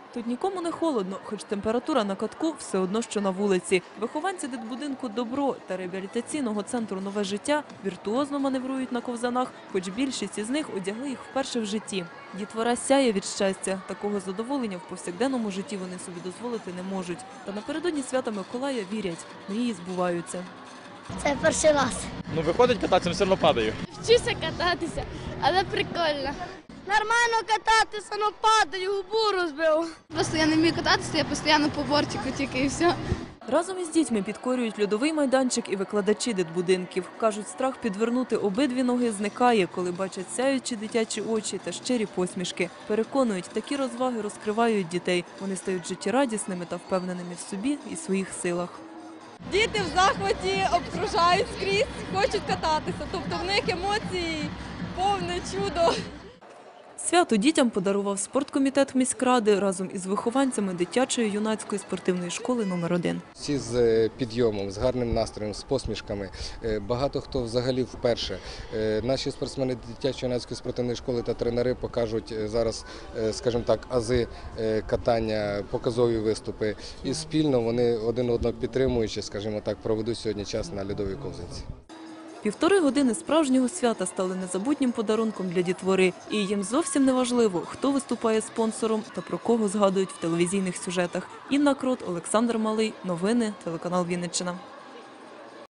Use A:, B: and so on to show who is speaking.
A: Тут нікому не холодно, хоч температура на катку все одно, що на вулиці. Вихованці дитбудинку «Добро» та реабілітаційного центру «Нове життя» віртуозно маневрують на ковзанах, хоч більшість із них одягли їх вперше в житті. Дітвора сяє від щастя. Такого задоволення в повсякденному житті вони собі дозволити не можуть. Та напередодні свята Миколая вірять – мрії збуваються.
B: Це перший раз.
C: Ну, виходить кататися, все одно падаю.
D: Вчуся кататися, але прикольно.
B: Нормально кататися, але падаю, губу розбив.
D: Просто я не вмію кататися, я постійно по бортику тільки і все.
A: Разом із дітьми підкорюють льодовий майданчик і викладачі дитбудинків. Кажуть, страх підвернути обидві ноги зникає, коли бачать сяючі дитячі очі та щирі посмішки. Переконують, такі розваги розкривають дітей. Вони стають життєрадісними та впевненими в собі і своїх силах.
E: Діти в захваті обкружають скрізь, хочуть кататися. Тобто в них емоції повне чудо.
A: Свято дітям подарував спорткомітет міськради разом із вихованцями дитячої юнацької спортивної школи номер 1.
F: Всі з підйомом, з гарним настроєм, з посмішками. Багато хто взагалі вперше. Наші спортсмени дитячої юнацької спортивної школи та тренери покажуть зараз, скажімо так, ази катання, показові виступи. І спільно вони один одного підтримуючи, скажімо так, проведуть сьогодні час на льодовій ковзанці.
A: 1,5 години справжнього свята стали незабутнім подарунком для дітвори. І їм зовсім не важливо, хто виступає спонсором та про кого згадують в телевізійних сюжетах. Інна Крот, Олександр Малий. Новини, телеканал Вінниччина.